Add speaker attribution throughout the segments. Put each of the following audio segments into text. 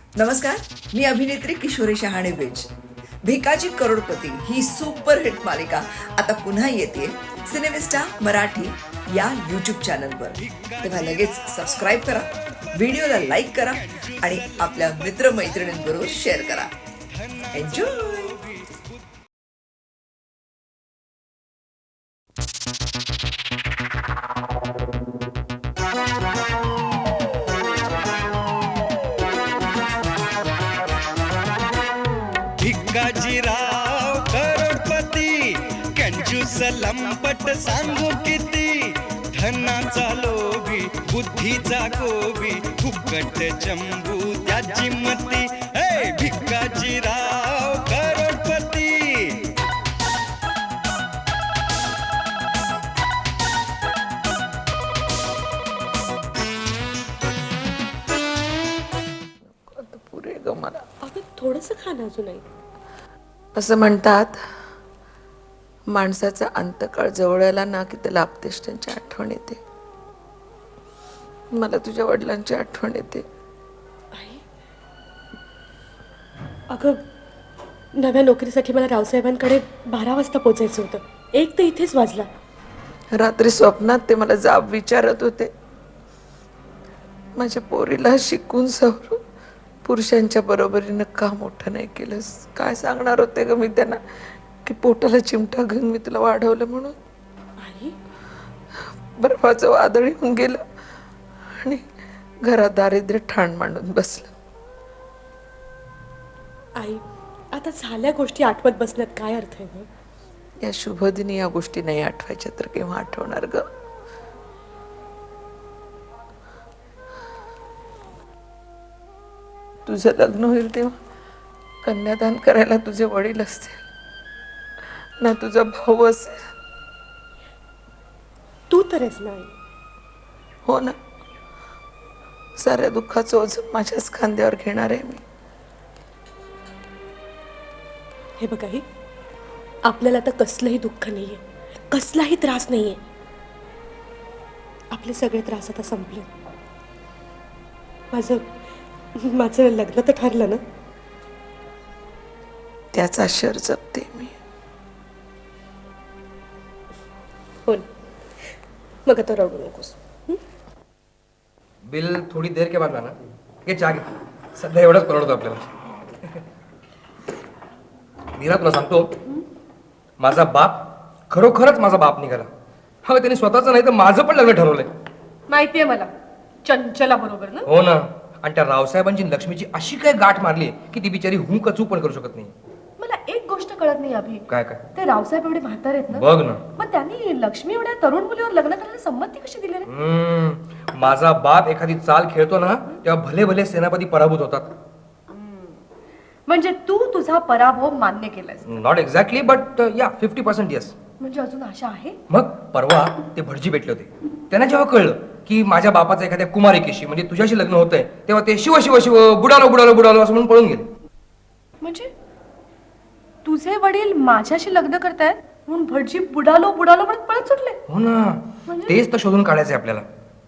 Speaker 1: नमस्कार, मी अभिनेत्री किशोरी शहाणे बेज. भिकाजी करोडपती ही सुपरहिट मालिका आता पुन्हा येते सिनेमिस्टा मराठी या यूट्यूब चॅनलवर. तेव्हा लगेच सबस्क्राईब करा, व्हिडिओला लाईक करा आणि आपल्या मित्रमैत्रिणींबरोबर शेअर करा. एन्जॉय.
Speaker 2: भिकाजीराव करोडपती कंजूस लंपट सांगू किती धनाचा लोभी बुद्धीचा गोबी फुकट चंबू त्याची मती. हे भिकाजीराव करोडपती.
Speaker 1: पुरे ग मला.
Speaker 3: अगं थोडंसं खा ना अजूनही.
Speaker 1: असं म्हणतात, माणसाचा अंतकाळ जवळ आला ना की त्याला आपतेष्टांची आठवण येते. मला तुझ्या वडिलांची आठवण येते.
Speaker 3: आई अगं, नव्या नोकरीसाठी मला रावसाहेबांकडे 12 वाजता पोचायचं होतं. 1 तर इथेच वाजला.
Speaker 1: रात्री स्वप्नात ते मला जाब विचारत होते. माझ्या पोरीला शिकून सवरून पुरुषांच्या बरोबरीनं का मोठं नाही केलंस. काय सांगणार होते ग मी त्यांना की पोटाला चिमटा घेऊन मी तुला वाढवलं म्हणून.
Speaker 3: आई
Speaker 1: बर्फाचं वादळ येऊन गेलं आणि घरात दारिद्र्य ठाण मांडून बसलं.
Speaker 3: आई आता झाल्या गोष्टी आठवत बसण्यात काय अर्थ आहे ग?
Speaker 1: या शुभदिनी या गोष्टी नाही आठवायच्या तर केव्हा आठवणार ग. तुझं लग्न होईल तेव्हा कन्यादान करायला तुझे वडील असतील ना तुझा भाऊ असेल.
Speaker 3: तू तर आहेस ना आई.
Speaker 1: हो ना, साऱ्या दुःखाचं ओझं माझ्याच खांद्यावर घेणार आहे मी.
Speaker 3: हे बघ आई, आपल्याला आता कसलंही दुःख नाहीये, कसलाही त्रास नाहीये. आपले सगळे त्रास आता संपले. माझं लग्न तर ठरलं ना.
Speaker 1: त्याचा शर जपते मी.
Speaker 3: हो ना. मग आता रडू नकोस.
Speaker 4: बिल थोडी देर के बाद लाना. घे चहा घे. सध्या एवढंच परवडतो आपल्याला. मीरा, तुला सांगतो, माझा बाप खरोखरच माझा बाप निघाला. हा, त्याने स्वतःचं नाही तर माझं पण लग्न ठरवलंय.
Speaker 5: माहितीये मला, चंचला बरोबर ना.
Speaker 4: हो ना. आणि त्या रावसाहेबांची लक्ष्मीची अशी काय गाठ मारली की ती बिचारी हू कचू पण करू शकत नाही.
Speaker 5: मला एक गोष्ट कळत नाही अभि.
Speaker 4: काय काय?
Speaker 5: ते रावसाहेब एवढे म्हातारे आहेत ना.
Speaker 4: बघ ना.
Speaker 5: मग त्यांनी लक्ष्मी एवढ्या तरुण मुलीवर लग्न करायला संमती कशी दिली रे?
Speaker 4: माझा बाप एखादी चाल खेळतो ना तेव्हा भले भले सेनापती पराभूत होतात.
Speaker 5: म्हणजे तू तुझा पराभव मान्य केलास.
Speaker 4: नॉट एक्झॅक्टली बट या 50% येस.
Speaker 5: म्हणजे अजून आशा आहे.
Speaker 4: मग परवा ते भटजी भेटले होते. त्यांना जेव्हा कळलं की माझ्या बापाचं एखाद्या कुमारिकेशी म्हणजे तुझ्याशी लग्न होतंय तेव्हा ते शिव शिव शिव बुडालो बुडालो बुडालो असं म्हणून पळून गेले.
Speaker 5: म्हणजे तुझे वडील माझ्याशी लग्न करतायत म्हणून भटजी बुडालो बुडालो म्हणत पळत सुटले.
Speaker 4: हो ना, तेच तर शोधून काढायचंय आपल्याला.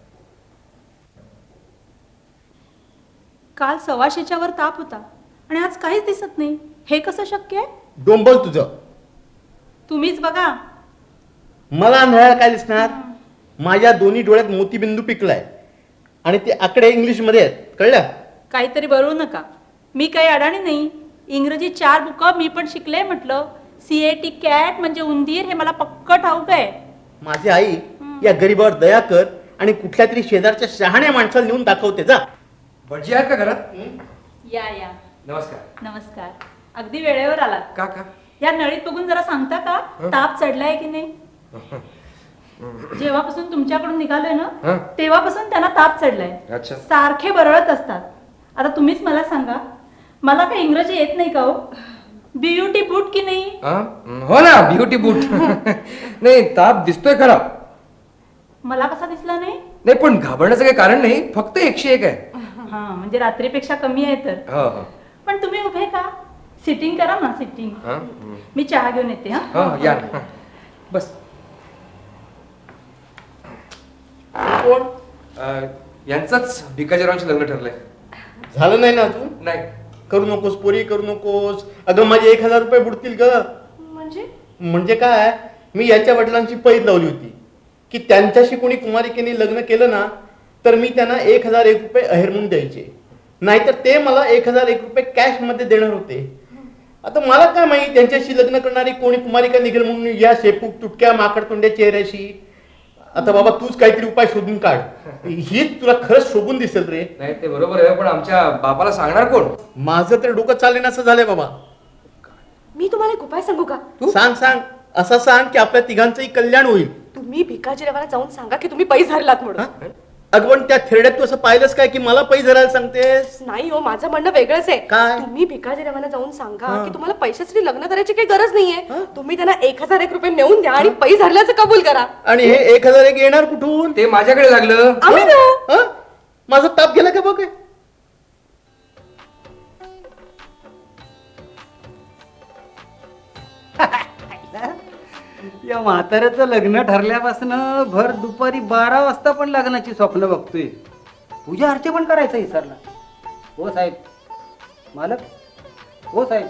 Speaker 6: काल 125च्या वर ताप होता आणि आज काहीच दिसत नाही. हे कसं शक्य आहे?
Speaker 7: डोंबल तुझं.
Speaker 6: तुम्हीच बघा.
Speaker 7: मला मिळायला काय दिसणार? माझ्या दोन्ही डोळ्यात मोतीबिंदू पिकलाय आणि ते आकडे इंग्लिशमध्ये आहेत, कळलं?
Speaker 6: काहीतरी बरवू नका. मी काही अडाणी नाही. इंग्रजी 4 बुकं मी पण शिकले. म्हटलं CAT कॅट म्हणजे उंदीर हे मला पक्क ठाऊक आहे.
Speaker 7: माझी आई या गरीबावर दया कर आणि कुठल्या तरी शेजारच्या शहाण्या माणसाला नेऊन दाखवते जा.
Speaker 4: भटजी आहेत का घरात?
Speaker 6: या या.
Speaker 4: नमस्कार.
Speaker 6: नमस्कार. अगदी वेळेवर आलात.
Speaker 4: का का?
Speaker 6: या नळीत बघून जरा सांगता का ताप चढलाय की नाही? जेव्हापासून तुमच्याकडून निघालोय ना तेव्हापासून त्यांना ताप चढलाय.
Speaker 4: अच्छा.
Speaker 6: सारखे बरळत असतात. आता तुम्हीच मला सांगा, मला काही इंग्रजी येत नाही का हो? ब्युटी बूट की नाही?
Speaker 4: हो ना, ब्युटी बूट. नाही, ताप दिसतोय खरा.
Speaker 6: मला कसा दिसला नाही?
Speaker 4: नाही, पण घाबरण्याचं काही कारण नाही. फक्त 101 आहे.
Speaker 6: हा, म्हणजे रात्रीपेक्षा कमी आहे तर.
Speaker 4: हो हो.
Speaker 6: पण तुम्ही उभे का? सिटिंग करा ना, सिटिंग. मी चहा घेऊन येते. हा,
Speaker 4: हो या ना. बस.
Speaker 7: कोण?
Speaker 4: यांचंच भिकाजीरावांशी लग्न ठरलंय.
Speaker 7: झालं नाही ना अजून?
Speaker 4: नाही.
Speaker 7: करू नकोस पोरी, करू नकोस. अगं माझे 1,000 रुपये बुडतील ग. म्हणजे काय, मी याच्या वडिलांची पैज लावली होती की त्यांच्याशी कोणी कुमारिकेने लग्न केलं ना तर मी त्यांना 1,001 रुपये अहेर म्हणून द्यायचे, नाहीतर ते मला 1,001 रुपये कॅश मध्ये देणार होते. आता मला काय माहिती त्यांच्याशी लग्न करणारी कोणी कुमारिका निघेल म्हणून या शेपूक तुटक्या माकडतोंड्या चेहऱ्याशी. आता बाबा तूच काहीतरी उपाय शोधून काढ, हीच तुला खरंच शोभून दिसेल रे.
Speaker 4: नाही ते बरोबर आहे, पण आमच्या बापाला सांगणार कोण?
Speaker 7: माझं तर डोकं चालले असं झालंय बाबा.
Speaker 3: मी तुम्हाला एक उपाय सांगू का?
Speaker 7: सांग सांग, असं सांग की आपल्या तिघांचंही कल्याण होईल.
Speaker 3: तुम्ही भिकाजीरावाला जाऊन सांगा की तुम्ही पैसे हरलात म्हणून.
Speaker 7: हा? अगं पण त्या थेरड्यात तू असं पाहिलंस काय की मला पैसे धरायला सांगतेस?
Speaker 3: नाही हो, माझं म्हणणं वेगळंच आहे.
Speaker 7: काय?
Speaker 3: तुम्ही भिकाजीरावांना जाऊन सांगा की तुम्हाला पैशासाठी लग्न करायची काही गरज नाहीये. तुम्ही त्यांना 1,001 रुपये नेऊन द्या आणि पैसे हरल्याचं कबूल करा.
Speaker 7: आणि हे 1,001 येणार कुठून?
Speaker 4: ते माझ्याकडे लागलं.
Speaker 3: आम्ही देऊ.
Speaker 7: हा? माझा ताप गेला का बघ.
Speaker 8: या म्हाताऱ्याचं लग्न ठरल्यापासून भर दुपारी 12 वाजता पण लग्नाची स्वप्न बघतोय. पूजा अर्चे पण करायचं विसरला. हो साहेब, मालक, हो साहेब,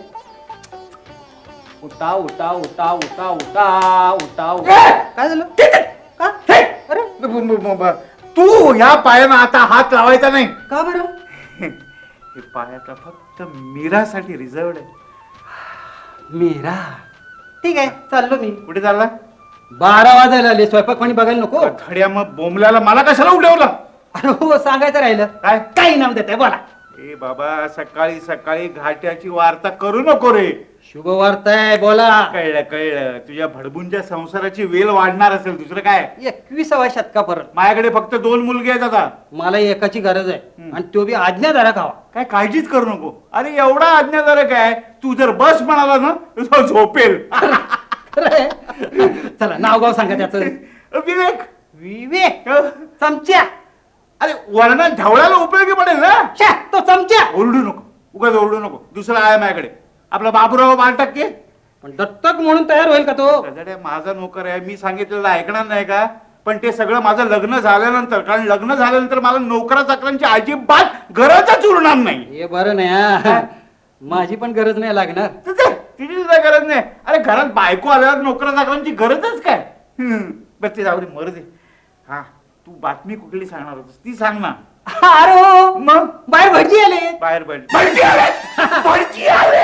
Speaker 8: उठा उठा उठा उठा उठा उठा उठा. काय झालं? का? अरे
Speaker 9: तू ह्या पायानं आता हात लावायचा नाही.
Speaker 8: का बरं?
Speaker 9: हे पायाचा फक्त मीरासाठी रिझर्वड आहे.
Speaker 8: मीरा, ठीक आहे, चाललो मी.
Speaker 9: कुठे चालला?
Speaker 8: 12 वाजायला आले, स्वयंपाक पाणी बघायला नको?
Speaker 9: खड्या मग बोंबल्याला मला कशाला उठवलं?
Speaker 8: अरे हो, सांगायचं राहिलं.
Speaker 9: काय?
Speaker 8: काही नाव देताय, बोला.
Speaker 9: ए बाबा, सकाळी सकाळी घाट्याची वार्ता करू नको रे.
Speaker 8: शुभ वार्ता आहे, बोला.
Speaker 9: कळलं कळलं, तुझ्या भडबूंच्या संसाराची वेल वाढणार असेल, दुसरं काय?
Speaker 8: 21व्या शतकापर्यंत
Speaker 9: माझ्याकडे फक्त 2 मुलगे आहेत आता.
Speaker 8: मला एकाची गरज आहे आणि तो बी आज्ञाधारक हवा.
Speaker 9: काय काळजीच करू नको. अरे एवढा आज्ञाधारक आहे, तू जर बस म्हणाला ना तर झोपेल.
Speaker 8: खरंय? चला, नाव गाव सांगा त्याचं.
Speaker 9: विवेक.
Speaker 8: विवेक चमच्या.
Speaker 9: अरे वर्णन ढवळायला उपयोगी पडेल ना.
Speaker 8: छ्या, तो चमच्या.
Speaker 9: ओरडू नको, उगाच ओरडू नको. दुसरा आहे माझ्याकडे, आपला बाबूराव बालटक्के.
Speaker 8: पण दत्तक म्हणून तयार होईल का तो?
Speaker 9: गजाड्या, माझा नोकर आहे, मी सांगितलेलं ऐकणार नाही का? पण ते सगळं माझं लग्न झाल्यानंतर, कारण लग्न झाल्यानंतर मला नोकरा चाकरांची अजिबात गरजच उरणार नाही.
Speaker 8: हे बरं नाही हा. माझी पण गरज नाही लागणार.
Speaker 9: तिची सुद्धा गरज नाही. अरे घरात बायको आल्यावर नोकरा चाकरांची गरजच काय? बरं ते जाऊ दे, मरू दे. हा, तू बातमी कुठली सांगणार होतीस ती सांग ना.
Speaker 8: अरे हो,
Speaker 9: मग
Speaker 8: बाहेर भटजी आले.
Speaker 9: बाहेर भटजी आले. भटजी आले.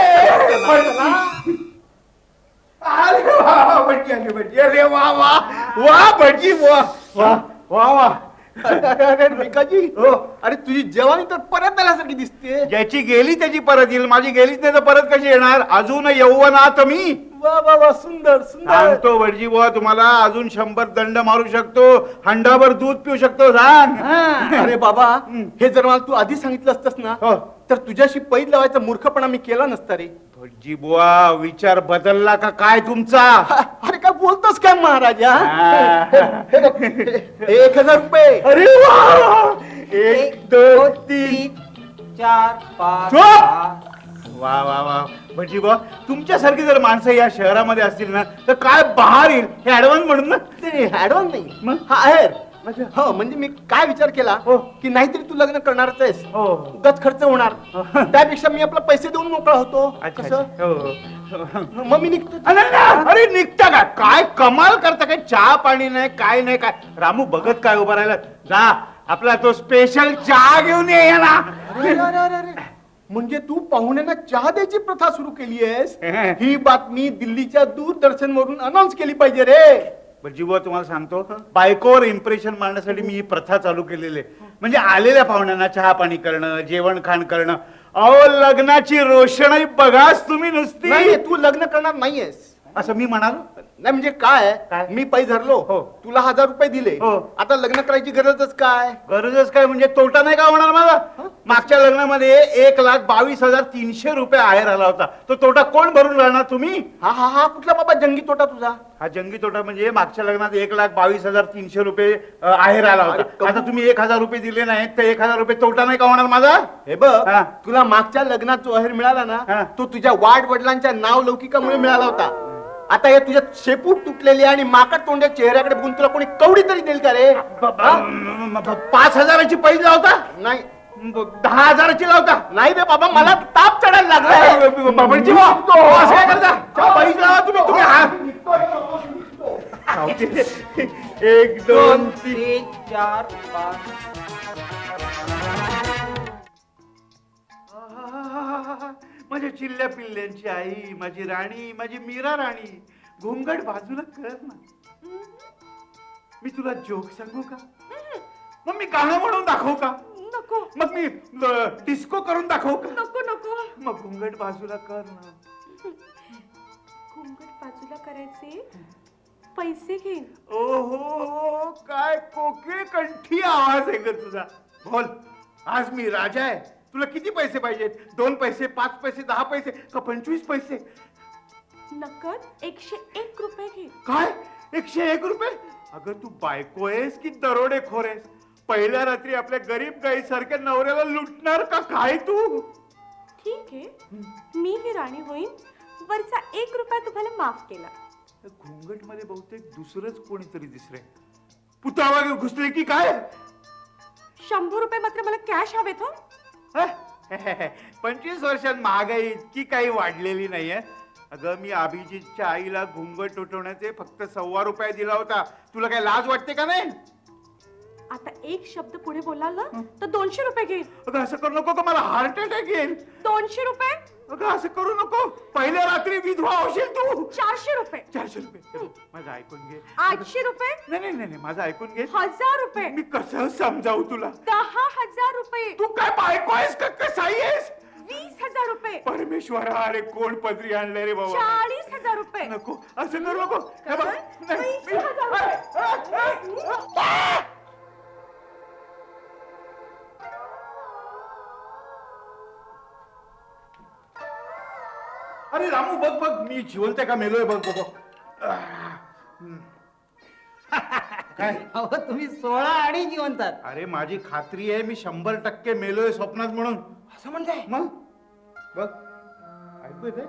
Speaker 9: अरे वा, भटजी आले, भटजी आले. वा वा वा, भटजी वा वा वा वा.
Speaker 7: अरे भिकाजी, अरे तुझी जवानी तर परत आल्यासारखी दिसते.
Speaker 9: ज्याची गेली त्याची परत येईल, माझी गेलीच नाही तर परत कशी येणार? अजून यौवनात मी.
Speaker 7: वा वा वा, सुंदर सुंदर.
Speaker 9: सांगतो भटजी बुवा तुम्हाला, अजून 100 दंड मारू शकतो, हंडाभर दूध पिऊ शकतो. सांग.
Speaker 7: अरे बाबा, हे जर मला तू आधी सांगितलं असतंस ना
Speaker 9: हो.
Speaker 7: तर तुझ्याशी पैज लावायचा मूर्खपणा मी केला नसता रे.
Speaker 9: भटजी बुवा, विचार बदलला का काय तुमचा?
Speaker 7: अरे काय बोलतोस काय महाराजा?
Speaker 9: हा.
Speaker 7: हे बघ, हे 1,000 रुपये.
Speaker 9: अरे वा, 1 2 3
Speaker 8: 4 5
Speaker 9: झोप. वा वा वा, भटजी बुवा, तुमच्यासारखी जर माणसं या शहरामध्ये असतील ना तर काय बहार येईल. हे ऍडव्हान्स म्हणून ना.
Speaker 7: ऍडव्हान्स नाही,
Speaker 9: मग?
Speaker 7: हा आहे. हो, म्हणजे मी काय विचार केला
Speaker 9: हो.
Speaker 7: की नाहीतरी तू लग्न करणारच आहेस,
Speaker 9: हो.
Speaker 7: उगाच खर्च होणार, त्यापेक्षा मी आपला पैसे देऊन मोकळा होतो.
Speaker 9: अच्छा,
Speaker 7: कसं?
Speaker 9: अच्छा. हो.
Speaker 7: मग मी निघतो.
Speaker 9: अरे निघता का? काय कमाल करता काय? चहा पाणी नाही, काय नाही. काय रामू बघत काय उभा राहिला? जा, आपला तो स्पेशल चहा घेऊन ये ना.
Speaker 7: अरे, अरे, अरे, अरे. म्हणजे तू पाहुण्यांना चहा द्यायची प्रथा सुरू केली आहेस? ही बातमी दिल्लीच्या दूरदर्शन वरून अनाऊन्स केली पाहिजे रे.
Speaker 9: भटजी बुवा, तुम्हाला सांगतो, बायकोवर इम्प्रेशन मारण्यासाठी मी ही प्रथा चालू केलेली आहे. म्हणजे आलेल्या पाहुण्यांना चहा पाणी करणं, जेवण खाण करणं. अहो, लग्नाची रोषणाई बघाच तुम्ही नुसती.
Speaker 7: नाही, तू लग्न करणार नाहीयेस
Speaker 9: असं मी म्हणालो
Speaker 7: नाही. म्हणजे काय,
Speaker 9: काय?
Speaker 7: मी पैसे धरलो,
Speaker 9: हो.
Speaker 7: तुला 1,000 रुपये दिले,
Speaker 9: हो.
Speaker 7: आता लग्न करायची गरजच काय?
Speaker 9: गरजच काय म्हणजे तोटा नाही का होणार माझा? मागच्या लग्नामध्ये 1,22,300 रुपये आहेर आला होता. तो तोटा कोण भरून राहणार? तुम्ही.
Speaker 7: हा हा हा, कुठला बाबा जंगी तोटा तुझा?
Speaker 9: हा जंगी तोटा म्हणजे मागच्या लग्नात 1,22,300 रुपये आहेर आला
Speaker 7: अरे,
Speaker 9: होता. आता तुम्ही 1,000 रुपये दिले नाहीत तर 1,000 रुपये तोटा नाही का होणार माझा?
Speaker 7: हे बघ,
Speaker 9: हा.
Speaker 7: तुला मागच्या लग्नात जो अहेर मिळाला
Speaker 9: हा.
Speaker 7: ना, तो तुझ्या वाढ वडिलांच्या नाव लौकिकामुळे मिळाला होता. आता हे तुझ्या शेपूट तुटलेली आणि माकड तोंड्या चेहऱ्याकडे बघून तुला कोणी कवडी तरी देईल का रे?
Speaker 9: 5,000ची पैसा होता.
Speaker 7: नाही,
Speaker 9: 10,000ची लावता. नाही रे बाबा, मला ताप चढायला लागला. बाबांची असं काय करता? पैसे लावा तुम्ही. तुम्ही एक 2 3
Speaker 8: 4 5
Speaker 9: माझ्या चिल्ल्या पिल्ल्यांची आई, माझी राणी, माझी मीरा राणी, घोंगड बाजूला कर ना. मी तुला जोक सांगू का? मग मी गाणं म्हणून दाखवू का?
Speaker 3: नको
Speaker 9: मग मी डिस्को करून दाखवू का?
Speaker 3: नको नको.
Speaker 9: मग घोंगड बाजूला कर ना.
Speaker 3: घुंगट बाजूला करायचे पैसे घे.
Speaker 9: ओहो, काय कोकिळ कंठी आवाज आहे ग तुझा. बोल, आज मी राजा आहे. तुला किती पैसे पाहिजेत? 2 पैसे, 5 पैसे, 10 पैसे का 25 पैसे?
Speaker 3: नकद 101 रुपये घे.
Speaker 9: काय 101 रुपये? अगं तू बायको आहेस की दरोडेखोर आहेस? पहिल्या रात्री आपल्या गरीब गाईसारख्या नवऱ्याला लुटणार का काय तू?
Speaker 3: ठीक आहे, मी ही राणी होईन. वरचा 1 रुपया तुम्हाला माफ केला.
Speaker 9: घुंगट मध्ये बहुतेक दुसरंच कोणीतरी दिसलंय. पुतळा घुसले की काय?
Speaker 3: 100 रुपये मात्र मला कॅश हवेत हो.
Speaker 9: 25 वर्षात महागाई इतकी काही वाढलेली नाहीये. अगं मी अभिजितच्या आईला घुंगट उठवण्याचे फक्त 1.25 रुपये दिला होता. तुला काय लाज वाटते का नाही?
Speaker 3: आता एक शब्द पुढे बोलाल ना तर 200 रुपये घेईन.
Speaker 9: अगं असं करू नको, का मला हार्ट अटॅक येईल.
Speaker 3: 200 रुपये.
Speaker 9: अगं असं करू नको, पहिल्या रात्री विधवा होशील तू.
Speaker 3: 400 रुपये.
Speaker 9: 400 रुपये. माझं ऐकून घे.
Speaker 3: 800 रुपये.
Speaker 9: नाही, माझं ऐकून घे.
Speaker 3: 1000 रुपये.
Speaker 9: मी कसं समजावू तुला?
Speaker 3: 10,000 रुपये.
Speaker 9: तू काय बायको आहेस का कसाई आहेस?
Speaker 3: 20,000 रुपये.
Speaker 9: परमेश्वरा, अरे कोण पदरी आणलंय रे बाबा?
Speaker 3: 40,000 रुपये.
Speaker 9: नको, असं करू नको. हे बघ, नाही,
Speaker 3: 20,000 रुपये.
Speaker 9: अरे रामू, बघ बघ, मी जिवंत आहे का मेलोय बघ बघ. काय?
Speaker 8: अहो तुम्ही 16 आणि जिवंतात.
Speaker 9: अरे माझी खात्री आहे मी 100% मेलोय स्वप्नात म्हणून.
Speaker 4: असं म्हणताय?
Speaker 9: मग बघ, ऐकू येते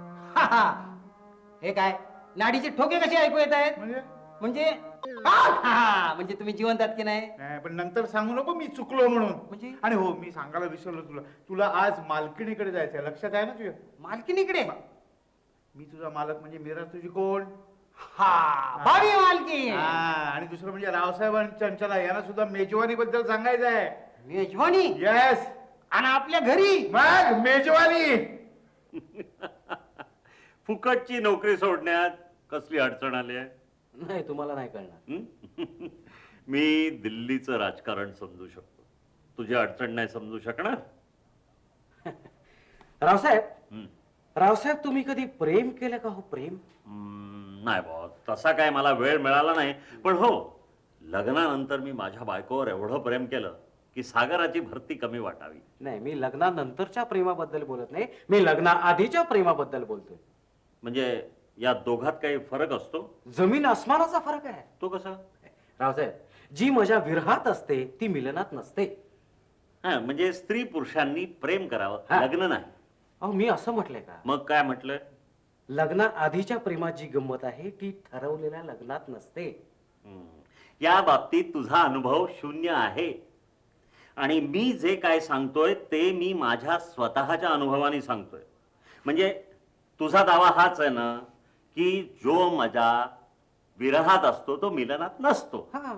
Speaker 8: हे काय नाडीचे ठोके कसे ऐकू येत आहेत?
Speaker 9: म्हणजे
Speaker 8: म्हणजे तुम्ही जिवंतात की नाही?
Speaker 9: नाही, पण नंतर सांगू नको मी चुकलो म्हणून.
Speaker 8: म्हणजे?
Speaker 9: आणि हो, मी सांगायला विसरलो तुला. तुला आज मालकिणीकडे जायचंय, लक्षात आहे ना तुझ्या?
Speaker 8: मालकीनीकडे?
Speaker 9: मी तुझा मालक म्हणजे मीरा तुझी कोण?
Speaker 8: भावी मालकी.
Speaker 9: आणि दुसरं म्हणजे रावसाहेब आणि चंचला यांना सुद्धा मेजवानी बद्दल सांगायचं आहे.
Speaker 8: मेजवानी?
Speaker 9: येस.
Speaker 8: आणि आपल्या घरी
Speaker 9: मग मेजवानी.
Speaker 10: फुकटची नोकरी सोडण्यात कसली अडचण आली आहे?
Speaker 8: नाही, तुम्हाला नाही कळणार.
Speaker 10: मी दिल्लीचं राजकारण समजू शकतो, तुझी अडचण नाही समजू शकणार.
Speaker 8: रावसाहेब तुम्ही कधी प्रेम केलं का हो? प्रेम?
Speaker 10: नाही बॉस, तसा काय मला वेळ मिळाला नाही. पण हो, लग्नानंतर मी माझ्या बायकोवर एवढं प्रेम केलं की सागराची भरती कमी वाटावी.
Speaker 8: नाही, मी लग्नानंतरच्या प्रेमाबद्दल बोलत नाही, मी लग्नाआधीच्या प्रेमाबद्दल बोलतोय.
Speaker 10: म्हणजे या दोघात काही फरक असतो?
Speaker 8: जमीन आसमानाचा फरक आहे.
Speaker 10: तो कसा?
Speaker 8: रावसाहेब, जी मजा विरहात असते ती मिलनात नसते.
Speaker 10: हा, म्हणजे स्त्री पुरुषांनी प्रेम करावं,
Speaker 8: हा.
Speaker 10: लग्न नाही.
Speaker 8: अहो मी असं म्हटलंय का?
Speaker 10: मग काय म्हटलंय?
Speaker 8: लग्ना आधीच्या प्रेमात जी गंमत आहे ती ठरवलेल्या लग्नात नसते.
Speaker 10: या बाबतीत तुझा अनुभव 0 आहे. आणि मी जे काय सांगतोय ते मी माझ्या स्वतःच्या अनुभवाने सांगतोय. म्हणजे तुझा दावा हाच आहे ना की जो मजा विरहात असतो तो मिलनात नसतो.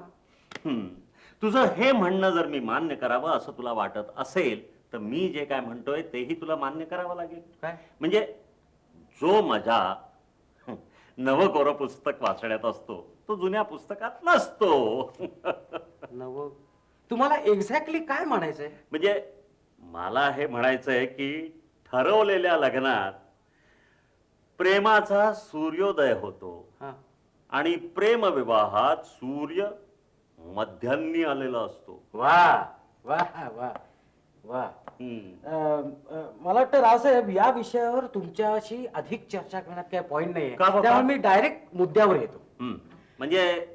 Speaker 10: तुझं हे म्हणणं जर मी मान्य करावं असं तुला वाटत असेल तर मी जे काय म्हणतोय तेही तुला मान्य करावं लागेल.
Speaker 8: काय?
Speaker 10: म्हणजे जो मजा नवकोरं पुस्तक वाचण्यात असतो तो जुन्या पुस्तकात नसतो.
Speaker 8: नव, तुम्हाला एक्झॅक्टली काय म्हणायचंय?
Speaker 10: म्हणजे मला हे म्हणायचंय की ठरवलेल्या लग्नात प्रेमाचा सूर्योदय होतो आणि प्रेम विवाहात सूर्य मध्यान्नी आलेला असतो.
Speaker 8: वा वा वा वा. मला वाटतं रावसाहेब या विषयावर तुमच्याशी अधिक चर्चा करण्यात काही पॉइंट नाहीये,
Speaker 10: का बाबा?
Speaker 8: त्यामुळे मी डायरेक्ट मुद्द्यावर येतो.
Speaker 10: म्हणजे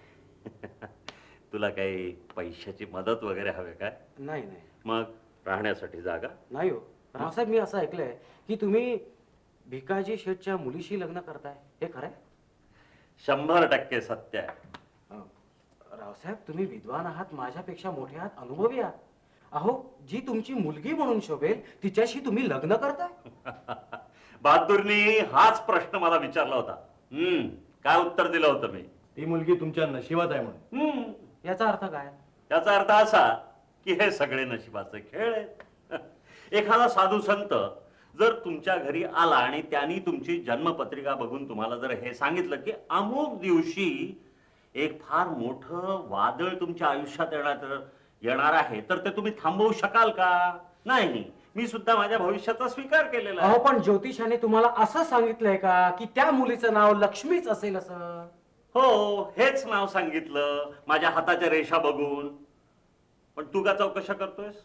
Speaker 10: तुला काही पैशाची मदत वगैरे हवे काय?
Speaker 8: नाही नाही
Speaker 10: मग राहण्यासाठी जागा?
Speaker 8: नाही हो रावसाहेब, मी असं ऐकलंय की तुम्ही भिकाजी शेठच्या मुलीशी लग्न करताय, हे खरंय?
Speaker 10: 100% सत्य आहे.
Speaker 8: रावसाहेब, तुम्ही विद्वान आहात, माझ्यापेक्षा मोठे आहात, अनुभवी आहात. अहो जी तुमची मुलगी म्हणून शोभेल तिच्याशी तुम्ही लग्न करताय?
Speaker 10: बहादूरनी हाच प्रश्न मला विचारला होता. काय उत्तर दिलं होतं मी?
Speaker 7: ती मुलगी तुमच्या नशिबात आहे म्हणून.
Speaker 8: याचा अर्थ काय?
Speaker 10: त्याचा अर्थ असा की हे सगळे नशिबाचे खेळ आहेत. एखादा साधू संत जर तुमच्या घरी आला आणि त्यांनी तुमची जन्मपत्रिका बघून तुम्हाला जर हे सांगितलं की अमुक दिवशी एक फार मोठं वादळ तुमच्या आयुष्यात येणार आहे, तर ते तुम्ही थांबवू शकाल का? नाही. मी सुद्धा माझ्या भविष्याचा स्वीकार केलेला आहे.
Speaker 8: अहो पण ज्योतिषाने तुम्हाला असं सांगितलंय का की त्या मुलीचं नाव लक्ष्मीच असेल असं?
Speaker 10: हो, हेच नाव सांगितलं माझ्या हाताच्या रेषा बघून. पण तू का चौकशा करतोयस?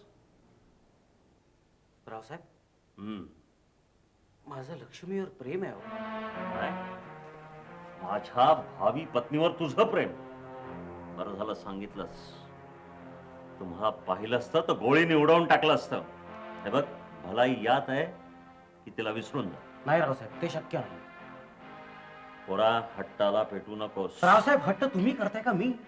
Speaker 8: रावसाहेब, माझं लक्ष्मीवर प्रेम आहे.
Speaker 10: काय? माझ्या भावी पत्नीवर तुझं प्रेम? बरं झालं सांगितलंस. तुम्हाला पाहिलं असतं तर गोळीने उडवून टाकलं असतं. हे बघ, भलाई यात आहे की तिला विसरून जा.
Speaker 8: नाही रावसाहेब, ते शक्य नाही.
Speaker 10: पोरा, हट्टाला पेटू नकोस.
Speaker 8: रावसाहेब, हट्ट तुम्ही करताय का मी?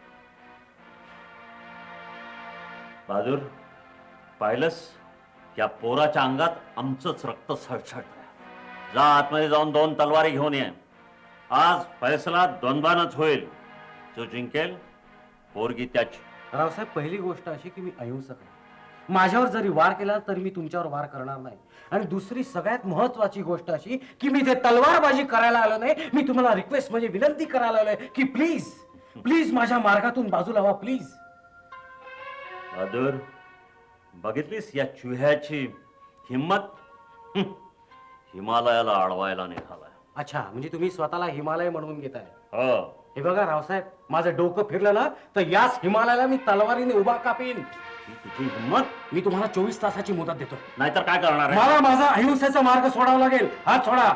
Speaker 10: बहादूर, पाहिलंस, या पोराच्या अंगात आमचंच रक्त सळसळतंय. जा आतमध्ये जाऊन 2 तलवारी घेऊन ये. आज फैसला द्वंद्वानच होईल. जो जिंकेल पोरगी त्याची.
Speaker 8: रावसाहेब, पहिली गोष्ट अशी की मी अहिंसक आहे. माझ्यावर जरी वार केला तरी मी तुमच्यावर वार करणार नाही. आणि दुसरी सगळ्यात महत्वाची गोष्ट अशी की मी ते तलवारबाजी करायला आलो नाही. मी तुम्हाला रिक्वेस्ट म्हणजे विनंती करायला आलोय की प्लीज प्लीज माझ्या मार्गातून बाजूला व्हा, प्लीज.
Speaker 10: बहादूर, बघितलीस या चुह्याची हिम्मत? हिमालयाला अडवायला निघालाय.
Speaker 8: अच्छा, म्हणजे तुम्ही स्वतःला हिमालय म्हणून घेताय?
Speaker 10: हो.
Speaker 8: हे बघा रावसाहेब, माझं डोकं फिरलं ना तर याच हिमालयाला मी तलवारीने उभा कापीन.
Speaker 10: ही तुझी हिम्मत?
Speaker 8: मी तुम्हाला 24 तासाची मुदत देतो.
Speaker 10: नाहीतर काय करणार आहे?
Speaker 8: मला माझा अहिंसेचा मार्ग सोडावा लागेल. हात सोडा.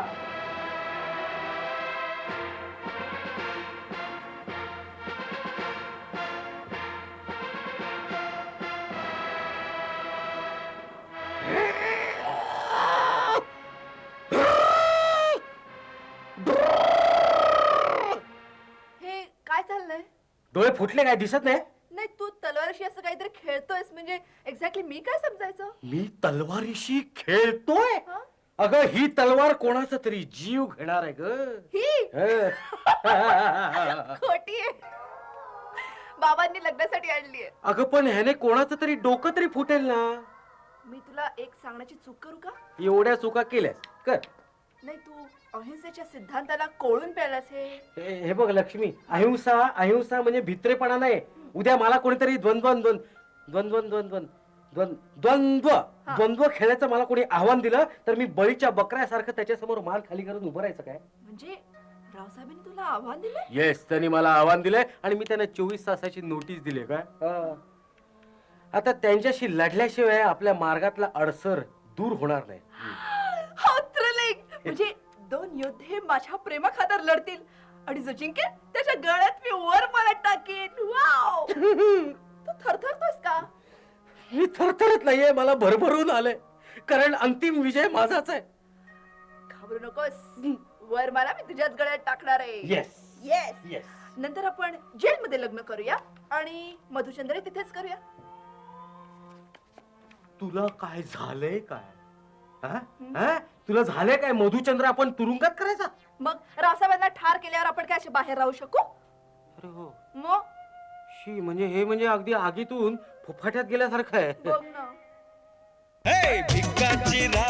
Speaker 5: हे काय चाललंय?
Speaker 8: डोळे फुटले, काय दिसत नाही?
Speaker 5: नाही, तू तलवारशी असं काहीतरी खेळतोयस म्हणजे एक्झॅक्टली मी काय समजायचं?
Speaker 8: मी तलवारीशी खेळतोय?
Speaker 5: हा?
Speaker 8: अगं, ही तलवार कोणाचा तरी जीव घेणार आहे ग.
Speaker 5: ही
Speaker 8: हं.
Speaker 5: खोटी आहे. बाबांनी लग्नासाठी आणलीये.
Speaker 8: अगं पण ह्याने कोणाचं तरी डोकं तरी फुटेल ना.
Speaker 5: मी तुला एक सांगण्याची चूक करू का?
Speaker 8: एवढ्या चुका केल्यास कर.
Speaker 5: नाही, तू अहिंसेच्या सिद्धांताला कोळून प्यालास.
Speaker 8: हे बघ लक्ष्मी, अहिंसा अहिंसा म्हणजे भित्रेपणा नाही. उद्या मला कोणीतरी द्वंद्व द्वंद्व खेळायचं मला कोणी आव्हान दिलं तर मी बळीच्या बकऱ्यासारखं त्याच्यासमोर मान खाली करून उभं राहायचं काय?
Speaker 5: म्हणजे रावसाहेबांनी तुला आव्हान दिलं?
Speaker 8: येस, त्यांनी मला आव्हान दिलंय आणि मी त्यांना 24 तासाची नोटीस दिली. काय आता त्यांच्याशी लढल्याशिवाय आपल्या मार्गातला अडसर दूर होणार नाही.
Speaker 5: म्हणजे 2 योद्धे माझ्या प्रेमाखातर लढतील आणि जो जिंकेल त्याच्या गळ्यात मी वर मला टाकेन. वाव! तू थरथरतोस का?
Speaker 8: मी थरथरत नाहीये, मला भरभरून आलंय, कारण अंतिम विजय माझाच आहे.
Speaker 5: घाबरू नकोस, वर मला मी तुझ्याच गळ्यात टाकणार आहे.
Speaker 8: Yes
Speaker 5: yes.
Speaker 8: येस.
Speaker 5: नंतर आपण जेल मध्ये लग्न करूया आणि मधुचंद्र तिथेच करूया.
Speaker 8: तुला काय झालंय काय? हा? हा? तुला झालंय काय? मधुचंद्र आपण तुरुंगात करायचा?
Speaker 5: मग रावसाहेबांना ठार केल्यावर आपण काय असे बाहेर राहू शकू?
Speaker 8: अरे हो.
Speaker 5: मग
Speaker 8: शी, म्हणजे हे म्हणजे अगदी आगीतून फुफाट्यात गेल्यासारखं आहे.
Speaker 5: बघ ना.
Speaker 2: हे भिकाची